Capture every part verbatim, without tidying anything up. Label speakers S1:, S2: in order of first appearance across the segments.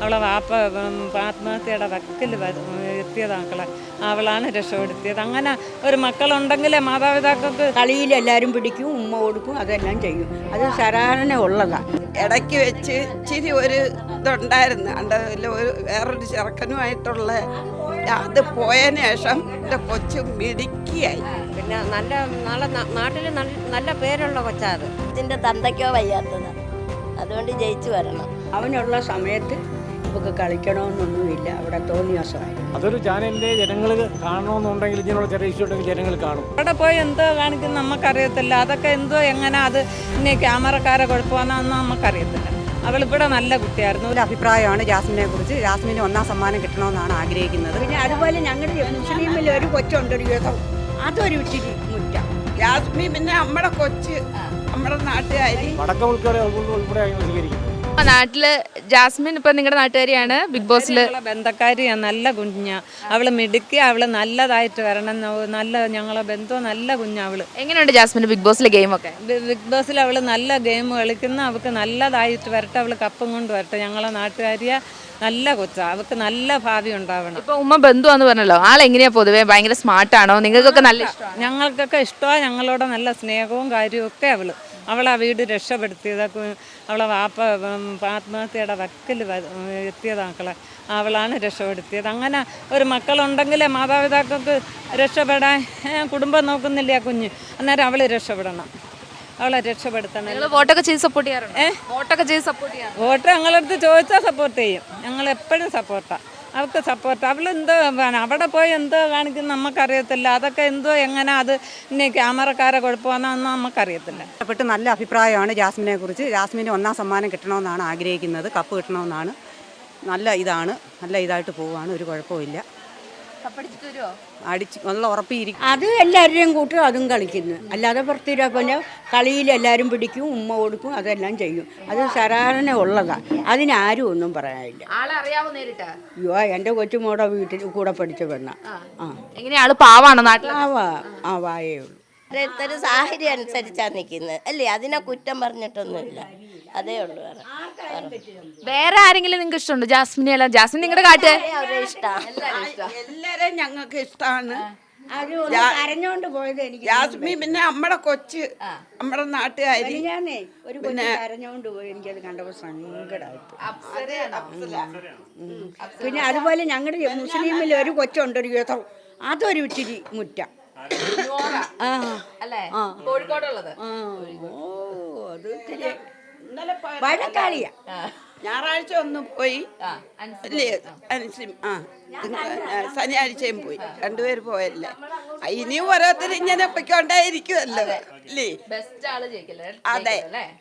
S1: അവളെ വാപ്പ ആത്മഹത്യയുടെ വക്കിൽ എത്തിയത് മക്കളെ, അവളാണ് രക്ഷപ്പെടുത്തിയത്. അങ്ങനെ ഒരു മക്കളുണ്ടെങ്കിലേ മാതാപിതാക്കൾക്ക്
S2: കളിയിൽ എല്ലാവരും പിടിക്കും, ഉമ്മ കൊടുക്കും, അതെല്ലാം ചെയ്യും. അത് ശരാരണ ഉള്ളതാണ്.
S3: ഇടയ്ക്ക് വെച്ച് ഇച്ചിരി ഒരു ഇതുണ്ടായിരുന്നു, അതിൽ ഒരു വേറൊരു ചെറുക്കനുമായിട്ടുള്ള അത് പോയതിന് ശേഷം എൻ്റെ കൊച്ചു മിടുക്കിയായി.
S4: പിന്നെ നല്ല നാളെ നാട്ടിൽ നല്ല പേരുള്ള കൊച്ചാ അത്. ഇതിൻ്റെ തന്തയ്ക്കോ വയ്യാത്തത്, അതുകൊണ്ട് ജയിച്ചു വരണം.
S2: അവനുള്ള സമയത്ത് നമുക്ക് കളിക്കണമെന്നൊന്നുമില്ല, അവിടെ തോന്നിയാസമായി.
S5: അതൊരു ചാനലിൻ്റെ ജനങ്ങൾ കാണണമെന്നുണ്ടെങ്കിൽ ഇങ്ങനെയുള്ള ചെറിയ ഇഷ്യൂ ഉണ്ടെങ്കിൽ ജനങ്ങൾ കാണും.
S1: അവിടെ പോയി എന്തോ കാണിക്കും നമുക്കറിയത്തില്ല. അതൊക്കെ എന്തോ എങ്ങനെ അത് ഇനി ക്യാമറക്കാരെ കുഴപ്പമാണെന്ന് നമുക്കറിയത്തില്ല. അവളിവിടെ നല്ല കുട്ടിയായിരുന്നു.
S6: ഒരു അഭിപ്രായമാണ് ജാസ്മിനെ കുറിച്ച്. ജാസ്മിന് ഒന്നാം സമ്മാനം കിട്ടണമെന്നാണ് ആഗ്രഹിക്കുന്നത്.
S2: പിന്നെ അതുപോലെ ഞങ്ങളുടെ മുസ്ലിമിൽ ഒരു കൊച്ചുണ്ടൊരു യുദ്ധം, അതൊരു ഇച്ചിരി മുറ്റം.
S3: യാസ്മി പിന്നെ നമ്മുടെ കൊച്ച്, നമ്മുടെ നാട്ടുകാരി.
S5: വടക്ക ഉൾപ്പെടെ ഉൾപ്പെടെ സ്വീകരിക്കുന്നത്
S7: നാട്ടില് ജാസ്മിൻ ഇപ്പൊ നിങ്ങളുടെ നാട്ടുകാരിയാണ്. ബിഗ് ബോസിൽ
S1: ബന്ധക്കാരിയാണ്, നല്ല കുഞ്ഞാ അവള്. മിടുക്കി, അവള് നല്ലതായിട്ട് വരണം. നല്ല ഞങ്ങളെ ബന്ധം നല്ല കുഞ്ഞാ അവള്.
S7: എങ്ങനെയുണ്ട് ജാസ്മിന് ബിഗ് ബോസിലെ ഗെയിമൊക്കെ?
S1: ബിഗ് ബോസിൽ അവള് നല്ല ഗെയിം കളിക്കുന്ന, അവൾക്ക് നല്ലതായിട്ട് വരട്ടെ. അവള് കപ്പും കൊണ്ട് വരട്ടെ. ഞങ്ങളെ നാട്ടുകാരിയ നല്ല കൊച്ചാ, അവൾക്ക് നല്ല ഭാവി ഉണ്ടാവണം.
S7: ഇപ്പൊ ഉമ്മ ബന്ധുവാന്ന് പറഞ്ഞല്ലോ, ആളെങ്ങനെയാ പൊതുവെ? ഭയങ്കര സ്മാർട്ടാണോ? നിങ്ങൾക്കൊക്കെ നല്ല ഇഷ്ടമാണ്?
S1: ഞങ്ങൾക്കൊക്കെ ഇഷ്ടമാണ്. ഞങ്ങളോട് നല്ല സ്നേഹവും കാര്യവും ഒക്കെ അവള്. അവളെ വീട് രക്ഷപ്പെടുത്തിയത്, അവളെ വാപ്പ ആത്മഹത്യയുടെ വക്കിൽ എത്തിയത് മക്കളെ, അവളാണ് രക്ഷപ്പെടുത്തിയത്. അങ്ങനെ ഒരു മക്കളുണ്ടെങ്കിലേ മാതാപിതാക്കൾക്ക് രക്ഷപ്പെടാൻ, കുടുംബം നോക്കുന്നില്ല കുഞ്ഞ്, അന്നേരം അവൾ രക്ഷപ്പെടണം. അവളെ രക്ഷപ്പെടുത്തണം.
S7: നിങ്ങൾ വോട്ടൊക്കെ ചെയ്ത് സപ്പോർട്ട് ചെയ്യാറുണ്ട്? ഏഹ് വോട്ടൊക്കെ ചെയ്ത് സപ്പോർട്ട് ചെയ്യാറുണ്ട്?
S1: വോട്ട് ഞങ്ങളടുത്ത് ചോദിച്ചാൽ സപ്പോർട്ട് ചെയ്യും. ഞങ്ങൾ എപ്പോഴും സപ്പോർട്ടാണ് അവൾക്ക്. സപ്പോർട്ട് അവളെന്തോ അവിടെ പോയി എന്തോ കാണിക്കുന്ന നമുക്കറിയത്തില്ല. അതൊക്കെ എന്തോ എങ്ങനെ അത് ഇനി ക്യാമറക്കാരെ കുഴപ്പമാണെന്ന് നമുക്കറിയത്തില്ല.
S6: ഇഷ്ടപ്പെട്ട് നല്ല അഭിപ്രായമാണ് ജാസ്മിനെ കുറിച്ച്. ജാസ്മിന് ഒന്നാം സമ്മാനം കിട്ടണമെന്നാണ് ആഗ്രഹിക്കുന്നത്. കപ്പ് കിട്ടണമെന്നാണ്. നല്ല ഇതാണ്, നല്ല ഇതായിട്ട് പോവുകയാണ്, ഒരു കുഴപ്പമില്ല. അടിച്ച് നല്ല ഉറപ്പിയിരിക്കും.
S2: അത് എല്ലാവരുടെയും കൂട്ടും അതും കളിക്കുന്നു. അല്ലാതെ പുറത്തിരാ പിന്നെ കളിയിൽ എല്ലാവരും പിടിക്കും, ഉമ്മ കൊടുക്കും, അതെല്ലാം ചെയ്യും. അത് ശരാരണ ഉള്ളതാണ്. അതിനാരും ഒന്നും പറയാനില്ല. അയ്യോ, എൻ്റെ കൊച്ചുമോടെ വീട്ടിൽ കൂടെ പഠിച്ച പെണ്ണ. ആ,
S7: എങ്ങനെയാ? ആള് പാവാണോ നാട്ടിൽ?
S2: ആവാ ആ വായേ ഉള്ളൂ.
S4: ഓരോരുത്തർ സാഹചര്യം അനുസരിച്ചാണ് നിൽക്കുന്നത് അല്ലേ, അതിനെ കുറ്റം പറഞ്ഞിട്ടൊന്നുമില്ല, അതേ ഉള്ളൂ.
S7: വേറെ ആരെങ്കിലും നിങ്ങൾക്ക് ഇഷ്ടമുണ്ടോ? ജാസ്മിനെ അല്ല, ജാസ്മിൻ നിങ്ങളുടെ കാട്ട്
S3: എല്ലാരെയും ഞങ്ങൾക്ക് ഇഷ്ടമാണ്.
S2: കരഞ്ഞോണ്ട് പോയത് എനിക്ക്.
S3: യാസ്മി പിന്നെ നമ്മുടെ കൊച്ച്, നമ്മുടെ നാട്ടുകാരി.
S2: ഞാനേ ഒരു കൊച്ചു കരഞ്ഞോണ്ട് പോയി, എനിക്കത് കണ്ടപ്പോൾ സങ്കടമായിട്ട്. പിന്നെ അതുപോലെ ഞങ്ങളുടെ മുസ്ലിമിൽ ഒരു കൊച്ചുണ്ടൊരു യുദ്ധം, അതൊരു ഇച്ചിരി മുറ്റം. ആ ആ
S7: കോഴിക്കോടുള്ളത്.
S2: ഓ, അത് ഇത്തിരി വഴക്കാളിയാ.
S3: ഞായറാഴ്ച ഒന്ന് പോയി അല്ലേ, അനുസരിച്ച് ആ ശനിയാഴ്ചയും പോയി, രണ്ടുപേര് പോയല്ലേ. ഇനിയും ഓരോരുത്തർ ഇങ്ങനെ പൊയ്ക്കൊണ്ടേയിരിക്കുമല്ലോ അല്ലേ. അതെ,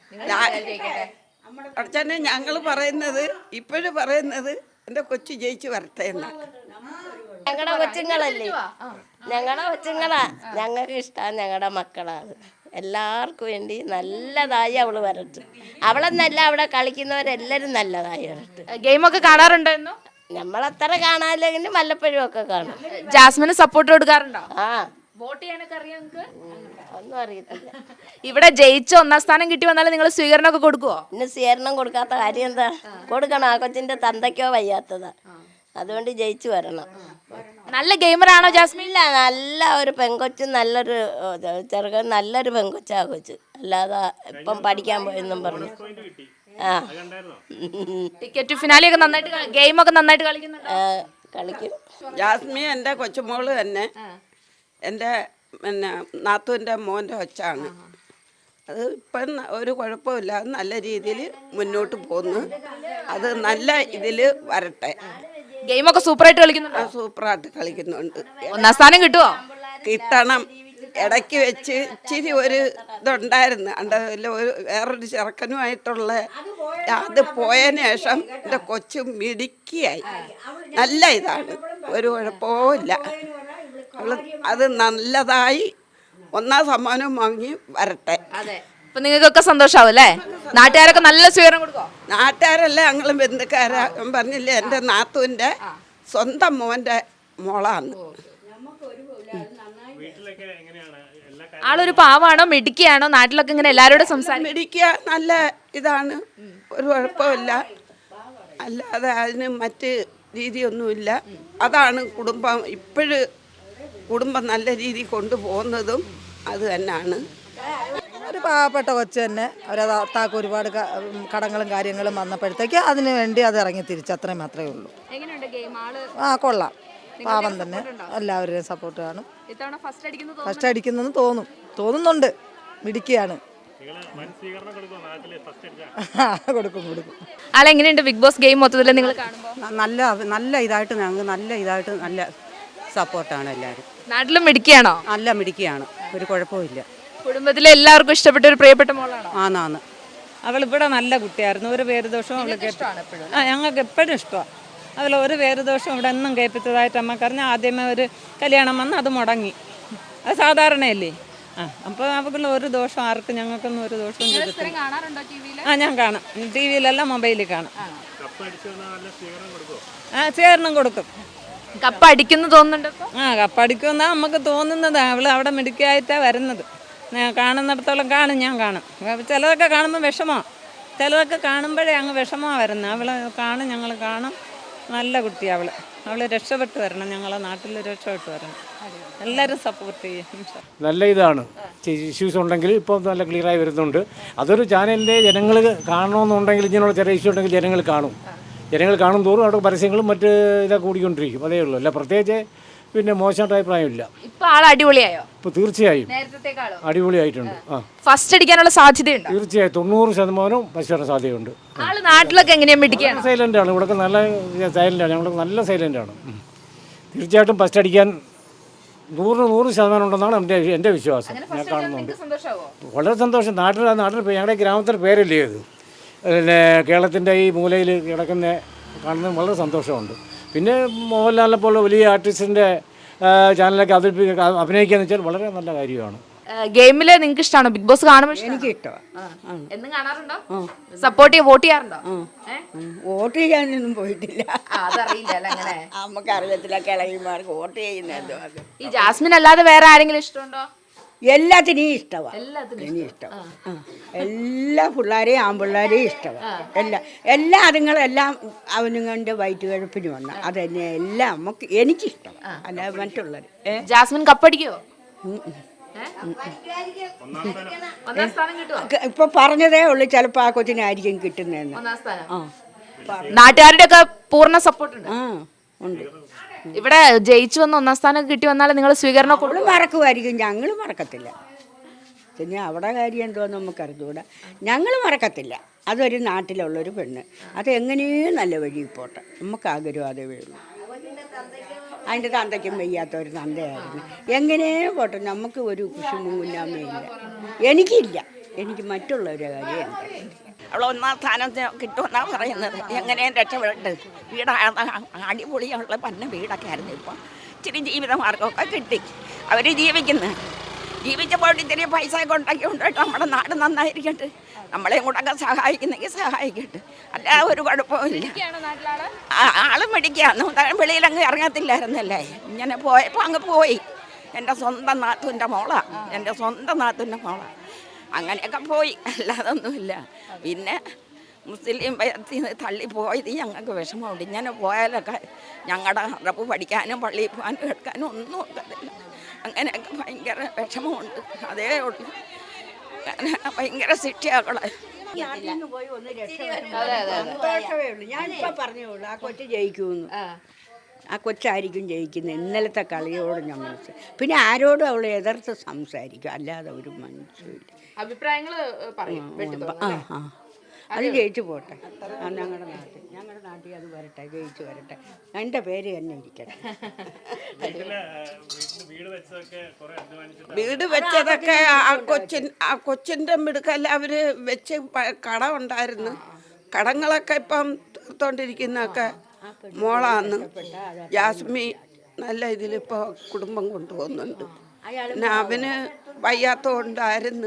S3: അച്ഛനെ ഞങ്ങൾ പറയുന്നത് ഇപ്പോഴും പറയുന്നത് എൻ്റെ കൊച്ചു ജയിച്ച് വരട്ടെ എന്നാണ്.
S4: ഞങ്ങളുടെ കൊച്ചുങ്ങളല്ലേ, ഞങ്ങളുടെ കൊച്ചുങ്ങളാ, ഞങ്ങൾക്ക് ഇഷ്ടമാണ്, ഞങ്ങളുടെ മക്കളാണ്. എല്ലാവർക്കും വേണ്ടി നല്ലതായി അവള് വരട്ടെ. അവളെന്നല്ല, അവിടെ കളിക്കുന്നവരെല്ലാവരും നല്ലതായി വരട്ടെ.
S7: ഗെയിമൊക്കെ കാണാറുണ്ടോ?
S4: നമ്മളത്ര കാണാനില്ലെങ്കിലും വല്ലപ്പോഴും ഒക്കെ കാണും.
S7: ജാസ്മിന് സപ്പോർട്ട് കൊടുക്കാറുണ്ടോ?
S4: ആ,
S7: വോട്ട് ചെയ്യാനൊക്കെ അറിയാം?
S4: ഒന്നും അറിയത്തില്ല.
S7: ഇവിടെ ജയിച്ച് ഒന്നാം സ്ഥാനം കിട്ടി വന്നാലും നിങ്ങൾ സ്വീകരണം ഒക്കെ കൊടുക്കുവോ?
S4: പിന്നെ സ്വീകരണം കൊടുക്കാത്ത കാര്യം എന്താ? കൊടുക്കണം. ആ കൊച്ചിന്റെ തന്തയ്ക്കോ വയ്യാത്തതാ, അതുകൊണ്ട് ജയിച്ചു വരണം.
S7: നല്ല ഗെയിമറാണോ ജാസ്മിൻ?
S4: ഇല്ല, നല്ല ഒരു പെങ്കൊച്ച്, നല്ലൊരു ചെറുക്കൻ, നല്ലൊരു പെങ്കൊച്ചാ കൊച്ച്. അല്ലാതെ ഇപ്പം പഠിക്കാൻ പോയെന്നും പറഞ്ഞു. ആ,
S7: ടിക്കറ്റ് ഫിനാലെ ഒക്കെ നന്നായിട്ട് ഗെയിമൊക്കെ നന്നായിട്ട് കളിക്കുന്നുണ്ട്.
S4: കളിക്കും.
S3: ജാസ്മി എൻ്റെ കൊച്ചുമോള് തന്നെ എൻ്റെ പിന്നെ നാത്തൂൻ്റെ മോൻ്റെ ഒച്ചാണ്. അത് ഇപ്പം ഒരു കുഴപ്പമില്ല, നല്ല രീതിയിൽ മുന്നോട്ട് പോകുന്നു. അത് നല്ല ഇതിൽ വരട്ടെ.
S7: ഗെയിമൊക്കെ സൂപ്പറായിട്ട് കളിക്കുന്നുണ്ട്.
S3: സൂപ്പറായിട്ട് കളിക്കുന്നുണ്ട്.
S7: ഒന്നാം സ്ഥാനം കിട്ടുമോ?
S3: കിട്ടണം. ഇടയ്ക്ക് വെച്ച് ഇച്ചിരി ഒരു ഇതുണ്ടായിരുന്നു, അതിൽ ഒരു വേറൊരു ചെറുക്കനുമായിട്ടുള്ള അത് പോയതിന് ശേഷം എൻ്റെ കൊച്ചു മിടുക്കിയായി. നല്ല ഇതാണ്, ഒരു കുഴപ്പമില്ല. അവള് അത് നല്ലതായി ഒന്നാം സമ്മാനം വാങ്ങി വരട്ടെ.
S7: അപ്പൊ നിങ്ങൾക്കൊക്കെ സന്തോഷാവും അല്ലേ? നാട്ടുകാരൊക്കെ നല്ല സ്വീകരണം കൊടുക്കോ?
S3: നാട്ടുകാരല്ല, ഞങ്ങളും ബന്ധുക്കാരാ. പറഞ്ഞില്ലേ, എൻ്റെ നാത്തൂൻ്റെ സ്വന്തം മോൻ്റെ മോളാണ്.
S7: ആളൊരു പാവാണോ മിടുക്കിയാണോ? നാട്ടിലൊക്കെ ഇങ്ങനെ എല്ലാവരോടും സംസാരിക്കും?
S3: മിടുക്കിയ നല്ല ഇതാണ്, ഒരു കുഴപ്പമില്ല. അല്ലാതെ അതിന് മറ്റ് രീതിയൊന്നുമില്ല. അതാണ് കുടുംബം ഇപ്പോഴും കുടുംബം നല്ല രീതിയിൽ കൊണ്ടുപോകുന്നതും അത് തന്നെയാണ്.
S8: ഒരു പാവപ്പെട്ട കൊച്ചു തന്നെ അവരത് താക്ക് ഒരുപാട് ക- കടങ്ങളും കാര്യങ്ങളും വന്നപ്പോഴത്തേക്ക് അതിന് വേണ്ടി അത് ഇറങ്ങി തിരിച്ച് അത്രയും മാത്രമേ ഉള്ളൂ.
S7: എങ്ങനെയുണ്ട് ഗെയിം ആള്
S8: ആ കൊള്ളാം, പാവം തന്നെ, എല്ലാവരുടെയും സപ്പോർട്ട് കാണും.
S7: ഇത്തവണ ഫസ്റ്റ് അടിക്കുന്നത്
S8: ഫസ്റ്റ് അടിക്കുന്നെന്ന് തോന്നും തോന്നുന്നുണ്ട് മിടുക്കിയാണ്. കൊടുക്കും കൊടുക്കും.
S7: ആളെങ്ങനെയുണ്ട് ബിഗ് ബോസ് ഗെയിം മൊത്തത്തിൽ നിങ്ങൾ കാണുമ്പോൾ?
S6: ന- നല്ല നല്ല ഇതായിട്ട് ഞങ്ങൾക്ക് നല്ല ഇതായിട്ട് നല്ല സപ്പോർട്ടാണ് എല്ലാവരും.
S7: നാട്ടിലും മിടിക്കുകയാണോ?
S6: നല്ല മിടുക്കിയാണ്, ഒരു കുഴപ്പമില്ല.
S7: കുടുംബത്തിലെ എല്ലാവർക്കും ഇഷ്ടപ്പെട്ട ഒരു പ്രിയപ്പെട്ട മോളാണോ?
S6: ആന്നാന്ന്
S1: അവളിവിടെ നല്ല കുട്ടിയായിരുന്നു. ഒരു പേര് ദോഷവും അവൾ കേട്ടു. ആ ഞങ്ങൾക്ക് എപ്പോഴും ഇഷ്ടമാണ്. അതിൽ ഒരു പേര് ദോഷവും ഇവിടെ എന്നും കേൾപ്പിച്ചതായിട്ട് അമ്മക്കറിഞ്ഞാൽ ആദ്യമേ ഒരു കല്യാണം വന്ന് അത് മുടങ്ങി. അത് സാധാരണയല്ലേ. ആ അപ്പോൾ അവക്കുള്ള ഒരു ദോഷം ആർക്കും ഞങ്ങൾക്കൊന്നും ഒരു ദോഷവും ചെയ്തിട്ടില്ല.
S7: കാണാറുണ്ടോ ടിവിയിൽ?
S1: ആ ഞാൻ കാണാം, ടി വിയിലല്ല മൊബൈലിൽ കാണാം. ആ സ്വീകരണം കൊടുക്കും.
S7: കപ്പ് അടിക്കുന്നു തോന്നുന്നുണ്ട് ഇപ്പൊ?
S1: ആ കപ്പടിക്കുമെന്നാണ് നമുക്ക് തോന്നുന്നത്. അവൾ അവിടെ മിടുക്കിയായിട്ടാണ് വരുന്നത്. ഞാൻ കാണുന്നിടത്തോളം കാണും, ഞാൻ കാണും. ചിലതൊക്കെ കാണുമ്പോൾ വിഷമമാണ്, ചിലതൊക്കെ കാണുമ്പോഴേ അങ്ങ് വിഷമമാണ് വരുന്നത്. അവൾ കാണും, ഞങ്ങൾ കാണും. നല്ല കുട്ടിയാണ് അവൾ. അവൾ രക്ഷപ്പെട്ട് വരണം, ഞങ്ങളെ നാട്ടിൽ രക്ഷപ്പെട്ട് വരണം. എല്ലാവരും സപ്പോർട്ട് ചെയ്യും.
S5: നല്ല ഇതാണ്. ഇഷ്യൂസ് ഉണ്ടെങ്കിൽ ഇപ്പോൾ നല്ല ക്ലിയറായി വരുന്നുണ്ട്. അതൊരു ചാനലിൻ്റെ ജനങ്ങൾ കാണണമെന്നുണ്ടെങ്കിൽ ഇങ്ങനെയുള്ള ചെറിയ ഇഷ്യൂ ഉണ്ടെങ്കിൽ ജനങ്ങൾ കാണും. ജനങ്ങൾ കാണും തോറും അവിടെ പരസ്യങ്ങളും മറ്റ് ഇതൊക്കെ കൂടിക്കൊണ്ടിരിക്കും. അതേ ഉള്ളൂ. അല്ല പ്രത്യേകിച്ച് പിന്നെ മോശമായിട്ട് അഭിപ്രായമില്ല.
S7: ഇപ്പൊ ആൾ അടിപൊളിയായോ?
S5: ഇപ്പോൾ തീർച്ചയായും
S7: നേരത്തെക്കാളോ?
S5: അടിപൊളിയായിട്ടുണ്ട്. ആ
S7: ഫസ്റ്റ് അടിക്കാനുള്ള സാധ്യതയുണ്ടോ?
S5: തീർച്ചയായും തൊണ്ണൂറ് ശതമാനവും പശുവിന് സാധ്യതയുണ്ട്.
S7: ആള് നാട്ടിലൊക്കെ എങ്ങനെയാ മിടിക്കുകയാണ്?
S5: സൈലൻ്റ് ആണ്. ഇവിടെ നല്ല സൈലൻ്റാണ്. ഞങ്ങൾക്ക് നല്ല സൈലൻ്റ് ആണ്. തീർച്ചയായിട്ടും ഫസ്റ്റ് അടിക്കാൻ നൂറിന് നൂറ് ശതമാനം ഉണ്ടെന്നാണ് എൻ്റെ എൻ്റെ വിശ്വാസം. ഞാൻ കാണുന്നുണ്ട്. വളരെ സന്തോഷം. നാട്ടിൽ നാട്ടിൽ ഞങ്ങളുടെ ഗ്രാമത്തിൻ്റെ പേരല്ലേ ഇത്. പിന്നെ കേരളത്തിൻ്റെ ഈ മൂലയിൽ കിടക്കുന്ന കാണുന്നത് വളരെ സന്തോഷമുണ്ട്. പിന്നെ മോഹൻലാലിനെ പോലെ വലിയ ആർട്ടിസ്റ്റിൻ്റെ ചാനലൊക്കെ അവതരിപ്പിക്കുക അഭിനയിക്കുക എന്ന് വെച്ചാൽ വളരെ നല്ല കാര്യമാണ്.
S7: ഗെയിമില് നിങ്ങൾക്ക് ഇഷ്ടമാണോ? ബിഗ് ബോസ് കാണുമ്പോൾ
S2: എനിക്ക് ഇഷ്ടമാണ്.
S7: എന്നും കാണാറുണ്ടോ? സപ്പോർട്ട് ചെയ്യ വോട്ട് ചെയ്യാറുണ്ടോ?
S2: വോട്ട് ചെയ്യാനൊന്നും പോയിട്ടില്ല.
S7: അതറിയില്ല അങ്ങനെ.
S2: നമുക്ക് അറിയത്തില്ല കിളവിമാർക്ക് വോട്ട് ചെയ്യുന്നത്.
S7: ഈ ജാസ്മിൻ അല്ലാതെ വേറെ ആരെങ്കിലും ഇഷ്ടമുണ്ടോ?
S2: എല്ലാത്തിനെയും ഇഷ്ടമാണ്. ഇനി ഇഷ്ടം എല്ലാ പിള്ളേരെയും ആൺപിള്ളേരെയും ഇഷ്ടമാണ്. എല്ലാ എല്ലാ അതുങ്ങളെല്ലാം അവനുങ്ങളുടെ വയറ്റ് കിഴപ്പിന് വന്ന അതന്നെ എല്ലാം നമുക്ക് എനിക്കിഷ്ടമാണ്. അല്ല മറ്റുള്ളത്
S7: ജാസ്മിൻ കപ്പടിക്കോ? ഒന്നാം സ്ഥാനം കിട്ടുമോ?
S2: ഇപ്പൊ പറഞ്ഞതേ ഉള്ളു ചിലപ്പോ ആ കൊച്ചിനായിരിക്കും കിട്ടുന്നതെന്ന്.
S7: ഒന്നാം സ്ഥാനം. നാട്ടുകാരുടെ ഒക്കെ പൂർണ്ണ സപ്പോർട്ട് ഉണ്ട്.
S2: ആ ഉണ്ട്.
S7: ഇവിടെ ജയിച്ചു വന്ന് ഒന്നാം സ്ഥാനം കിട്ടി വന്നാൽ നിങ്ങൾ സ്വീകരണം
S2: അവള് മറക്കുമായിരിക്കും, ഞങ്ങൾ മറക്കത്തില്ല. പിന്നെ അവിടെ കാര്യം എന്തോന്ന് നമുക്ക് അറിഞ്ഞുകൂടാ. ഞങ്ങൾ മറക്കത്തില്ല. അതൊരു നാട്ടിലുള്ളൊരു പെണ്ണ്, അത് എങ്ങനെയും നല്ല വഴി പോട്ടെ. നമുക്ക് ആഗ്രഹം അതേ ഉള്ളൂ. അതിൻ്റെ തന്തയ്ക്കും വയ്യാത്ത ഒരു തന്തയായിരുന്നു. എങ്ങനെയും പോട്ടെ, നമുക്ക് ഒരു കുശുമ്പും കുഞ്ഞാമ്മയില്ല. എനിക്കില്ല, എനിക്ക് മറ്റുള്ളവരുടെ കാര്യം എനിക്കറിയില്ല.
S9: അവൾ ഒന്നാം സ്ഥാനം കിട്ടുമെന്നാണ് പറയുന്നത്. എങ്ങനെയും രക്ഷപ്പെട്ട് വീട് അടിപൊളിയുള്ള പന്ന വീടൊക്കെ ആയിരുന്നു. ഇപ്പം ഇച്ചിരി ജീവിതമാർഗമൊക്കെ കിട്ടി, അവർ ജീവിക്കുന്നു. ജീവിച്ചപ്പോൾ ഇത്തിരി പൈസ ഒക്കെ ഉണ്ടാക്കി കൊണ്ടിട്ട് നമ്മുടെ നാട് നന്നായിരിക്കട്ടെ. നമ്മളെയും കൂടെ സഹായിക്കുന്നെങ്കിൽ സഹായിക്കട്ടെ, അല്ലാതെ ഒരു കുഴപ്പമില്ല. ആളും മേടിക്കാന്ന് വെളിയിലങ്ങ് ഇറങ്ങത്തില്ലായിരുന്നല്ലേ. ഇങ്ങനെ പോയപ്പോൾ അങ്ങ് പോയി. എൻ്റെ സ്വന്തം നാത്തൂൻ്റെ മോളാണ്, എൻ്റെ സ്വന്തം നാത്തൂൻ്റെ മോളാണ്. അങ്ങനെയൊക്കെ പോയി, അല്ലാതൊന്നുമില്ല. പിന്നെ മുസ്ലിം ഭയത്തിൽ തള്ളിപ്പോയത് ഞങ്ങൾക്ക് വിഷമമുണ്ട്. ഇങ്ങനെ പോയാലൊക്കെ ഞങ്ങളുടെ റബ്ബ് പഠിക്കാനും പള്ളിയിൽ പോകാനും എടുക്കാനും ഒന്നും ഒക്കത്തില്ല. അങ്ങനെയൊക്കെ ഭയങ്കര വിഷമമുണ്ട്, അതേ ഉള്ളൂ. ഭയങ്കര ശിക്ഷയാക്കളെ.
S2: സന്തോഷമേ ഉള്ളൂ. ഞാനിപ്പോൾ പറഞ്ഞേ ഉള്ളൂ ആ കൊച്ചു ജയിക്കുമെന്ന്. ആ കൊച്ചായിരിക്കും ജയിക്കുന്നത്. ഇന്നലത്തെ കളിയോട് ഞാൻ മനസ്സിൽ പിന്നെ ആരോടും അവൾ എതിർത്ത് സംസാരിക്കും, അല്ലാതെ ഒരു മനസ്സില്ല.
S7: അഭിപ്രായങ്ങൾ പറയും.
S2: ആ ആ അത് ജയിച്ചു പോട്ടെ. ഞങ്ങളുടെ നാട്ടിൽ ഞങ്ങളുടെ നാട്ടിൽ അത് വരട്ടെ, ജയിച്ചു വരട്ടെ. എൻ്റെ പേര് തന്നെ ഇരിക്കട്ടെ.
S3: വീട് വെച്ചതൊക്കെ ആ കൊച്ചിൻ ആ കൊച്ചിൻ്റെ മിടുക്കല്ല അവർ വെച്ച് കടം ഉണ്ടായിരുന്നു. കടങ്ങളൊക്കെ ഇപ്പം തീർത്തോണ്ടിരിക്കുന്നതൊക്കെ മോളാന്ന്. ജാസ്മി നല്ല ഇതിലിപ്പോൾ കുടുംബം കൊണ്ടുപോകുന്നുണ്ട്. പിന്നെ അവന് വയ്യാത്തതുകൊണ്ടായിരുന്നു,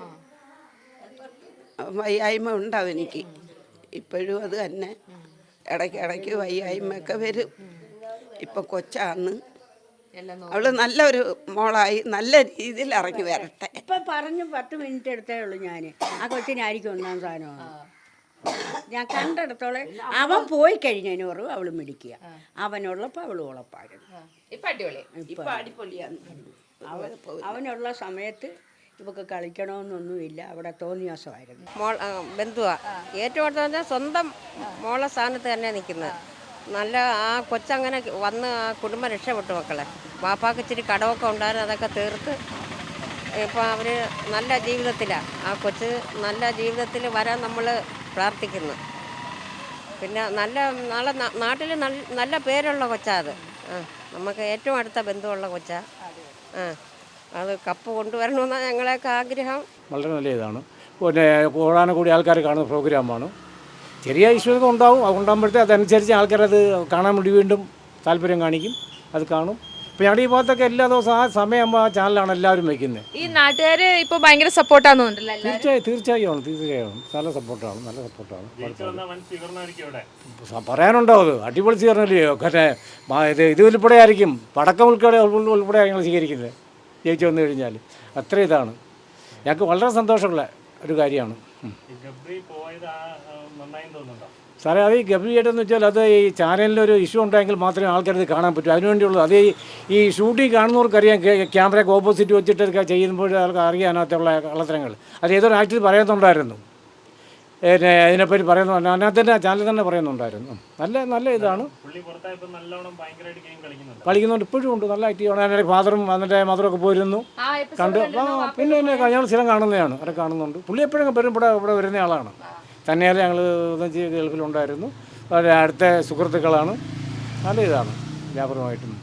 S3: വയ്യായ്മ ഉണ്ട് അവനിക്ക് ഇപ്പോഴും. അത് തന്നെ ഇടയ്ക്ക് ഇടയ്ക്ക് വയ്യായ്മയൊക്കെ വരും. ഇപ്പം കൊച്ചാന്ന്. അവള് നല്ലൊരു മോളായി നല്ല രീതിയിൽ ഇറങ്ങി വരട്ടെ.
S2: ഇപ്പം പറഞ്ഞു പത്ത് മിനിറ്റ് എടുത്തേ ഉള്ളൂ ഞാൻ. ആ കൊച്ചിനായിരിക്കും ഒന്നാം സ്ഥാനമാണ്. ഞാൻ കണ്ടിടത്തോളം അവൻ പോയി കഴിഞ്ഞതിന് കുറവ് അവൾ മിടിക്കുക, അവനുള്ളപ്പോൾ അവൾ ഉളപ്പായിരുന്നു.
S7: ഇപ്പൊ അടിപൊളി.
S3: ഇപ്പം അടിപൊളിയാണ്.
S2: അവൻ അവനുള്ള സമയത്ത് ഇവക്ക് കളിക്കണമെന്നൊന്നുമില്ല, അവിടെ തോന്നിയാസമായിരുന്നു.
S10: മോൾ ബന്ധുവാ ഏറ്റവും അടുത്ത് പറഞ്ഞാൽ സ്വന്തം മോളെ സ്ഥാനത്ത് തന്നെ നിൽക്കുന്നത്. നല്ല ആ കൊച്ചങ്ങനെ വന്ന് ആ കുടുംബം രക്ഷപ്പെട്ടു മക്കളെ. വാപ്പാക്ക് ഇച്ചിരി കടമൊക്കെ ഉണ്ടായിരുന്നു, അതൊക്കെ തീർത്ത് ഇപ്പം അവർ നല്ല ജീവിതത്തിലാണ്. ആ കൊച്ച് നല്ല ജീവിതത്തിൽ വരാൻ നമ്മൾ പ്രാർത്ഥിക്കുന്നു. പിന്നെ നല്ല നാളെ നാട്ടിൽ നല്ല പേരുള്ള കൊച്ചാ അത്. ആ നമുക്ക് ഏറ്റവും അടുത്ത ബന്ധുവുള്ള കൊച്ചാ. ആ അത് കപ്പ് കൊണ്ടുവരണമെന്നാണ് ഞങ്ങളെയൊക്കെ ആഗ്രഹം.
S5: വളരെ നല്ല ഇതാണ്. പിന്നെ കൂടാനും കൂടി ആൾക്കാർ കാണുന്ന പ്രോഗ്രാമാണ്. ചെറിയ ഇഷ്യൂസ് ഉണ്ടാവും, അത് ഉണ്ടാകുമ്പോഴത്തേ അതനുസരിച്ച് ആൾക്കാരത് കാണാൻ വേണ്ടി വീണ്ടും താല്പര്യം കാണിക്കും, അത് കാണും. ഇപ്പോൾ ഞങ്ങളുടെ ഈ ഭാഗത്തൊക്കെ എല്ലാ ദിവസവും ആ സമയമാകുമ്പോൾ ആ ചാനലാണ് എല്ലാവരും വയ്ക്കുന്നത്.
S7: ഈ നാട്ടുകാര് ഇപ്പൊ ഭയങ്കര സപ്പോർട്ടാന്ന് തോന്നുന്നുണ്ടല്ലോ എല്ലാവരും.
S5: തീർച്ചയായും തീർച്ചയായും ആണ് തീർച്ചയായും നല്ല സപ്പോർട്ടാണ്, നല്ല സപ്പോർട്ടാണ്. പറയാനുണ്ടോ അത് അടിപൊളി സ്വീകരണമല്ലയോ? മറ്റേ ഇത് ഇത് ഉൾപ്പെടെ ആയിരിക്കും, പടക്കം ഉൾപ്പെടെ ഉൾപ്പെടെ ഞങ്ങൾ സ്വീകരിക്കുന്നത് ജയിച്ചു വന്നു കഴിഞ്ഞാൽ. അത്ര ഇതാണ് ഞങ്ങൾക്ക് വളരെ സന്തോഷമുള്ള ഒരു കാര്യമാണ്. സാറേ അത് ഈ ഗംഭീരമായിട്ടെന്ന് വെച്ചാൽ അത് ഈ ചാനലിലൊരു ഇഷ്യൂ ഉണ്ടെങ്കിൽ മാത്രമേ ആൾക്കാരത് കാണാൻ പറ്റൂ. അതിനുവേണ്ടിയുള്ളത് അത് ഈ ഷൂട്ടിങ് കാണുന്നവർക്കറിയാം, ക്യാമറയ്ക്ക് ഓപ്പോസിറ്റ് വെച്ചിട്ടൊക്കെ ചെയ്യുമ്പോൾ ആൾക്ക് അറിയാം അതിനകത്തുള്ള കള്ളത്തരങ്ങൾ. അത് ഏതൊരു ആക്ടർ പറയുന്നുണ്ടായിരുന്നു, പിന്നെ അതിനെപ്പറ്റി പറയുന്നു, അതിനകത്ത് തന്നെ ചാനൽ തന്നെ പറയുന്നുണ്ടായിരുന്നു. നല്ല നല്ല ഇതാണ്, കളിക്കുന്നുണ്ട്, ഇപ്പോഴും ഉണ്ട്, നല്ല ആക്റ്റീവാണ്. അതിൻ്റെ ഫാദറും അതിൻ്റെ മദറൊക്കെ പോയിരുന്നു കണ്ടു. ആ പിന്നെ പിന്നെ ഞങ്ങൾ സ്ഥിരം കാണുന്നതാണ്, അവിടെ കാണുന്നുണ്ട്. പുള്ളി എപ്പോഴും വരും, ഇവിടെ ഇവിടെ വരുന്ന ആളാണ്. തന്നെയല്ല ഞങ്ങൾ ഗൾഫിലുണ്ടായിരുന്നു, വളരെ അടുത്ത സുഹൃത്തുക്കളാണ്. നല്ല ഇതാണ് വ്യാപകമായിട്ടും.